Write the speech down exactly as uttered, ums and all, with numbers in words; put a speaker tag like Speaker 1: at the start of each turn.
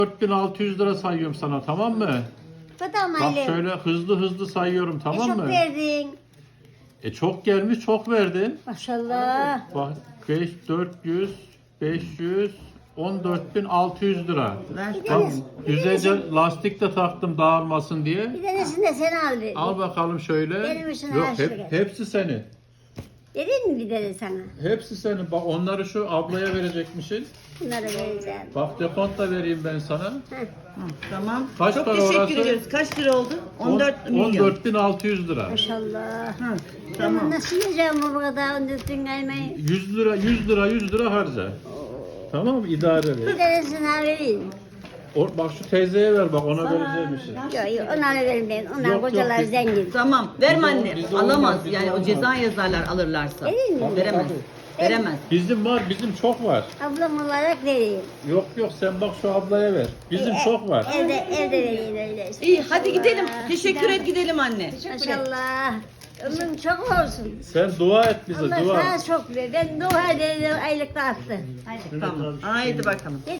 Speaker 1: dört bin altı yüz lira sayıyorum sana, tamam mı?
Speaker 2: Tamam
Speaker 1: Bak
Speaker 2: annem.
Speaker 1: şöyle hızlı hızlı sayıyorum,
Speaker 2: E,
Speaker 1: tamam
Speaker 2: çok
Speaker 1: mı?
Speaker 2: verdin.
Speaker 1: E çok gelmiş, çok verdin.
Speaker 2: Maşallah.
Speaker 1: Bak beş, dört yüz, beş yüz, on dört bin altı yüz lira.
Speaker 3: Ver.
Speaker 1: Bak güzelce lastik de taktım dağılmasın diye.
Speaker 2: Bir tanesini de sen al dedi.
Speaker 1: Al bakalım şöyle.
Speaker 2: Benim için
Speaker 1: Yok
Speaker 2: her şey
Speaker 1: hep,
Speaker 2: geldi.
Speaker 1: hepsi senin.
Speaker 2: Dedin mi bir tane sana?
Speaker 1: Hepsi senin. Bak onları şu ablaya verecekmişsin.
Speaker 2: Bunları vereceğim.
Speaker 1: Bak dekont da vereyim ben sana.
Speaker 2: Heh.
Speaker 3: Hı, tamam.
Speaker 1: Kaç
Speaker 3: Çok
Speaker 1: para
Speaker 3: teşekkür
Speaker 1: orası?
Speaker 3: ediyoruz. Kaç lira oldu? on dört milyon.
Speaker 1: on dört bin altı yüz lira.
Speaker 2: Maşallah.
Speaker 3: Hı,
Speaker 2: Tamam.
Speaker 3: tamam.
Speaker 2: Nasıl yiyeceğim bu kadar on dört bin kaymayı?
Speaker 1: yüz lira, yüz lira, yüz lira harca. Tamam mı? İdare
Speaker 2: Bir
Speaker 1: ver.
Speaker 2: tanesini daha vereyim.
Speaker 1: O, bak şu teyzeye ver, bak ona vereceğim bir şey.
Speaker 2: Yok yok onları vermeyin. Onlar
Speaker 1: Yok,
Speaker 2: kocalar
Speaker 1: yok, biz-
Speaker 2: zengin.
Speaker 3: Tamam. Verme
Speaker 1: Bize-
Speaker 3: anne.
Speaker 1: bize
Speaker 3: Alamaz.
Speaker 1: olmaz, bize
Speaker 3: Yani o
Speaker 1: olmaz.
Speaker 3: ceza yazarlar alırlarsa.
Speaker 2: Vereyim mi?
Speaker 3: Veremez.
Speaker 1: Tabii.
Speaker 3: Veremez.
Speaker 1: Bizim var, bizim çok var.
Speaker 2: Ablam olarak vereyim.
Speaker 1: Yok yok, sen bak şu ablaya ver. Bizim
Speaker 2: E,
Speaker 1: çok var.
Speaker 2: Evde, evde vereyim öyle işte.
Speaker 3: İyi hadi gidelim.
Speaker 2: Maşallah.
Speaker 3: Teşekkür et gidelim anne.
Speaker 2: Maşallah. Ömrüm çok olsun.
Speaker 1: Sen dua et bize,
Speaker 2: Allah
Speaker 1: dua.
Speaker 2: sana çok ver. Ben dua ederim aylıkta attı.
Speaker 3: Hadi tamam. Haydi bakalım.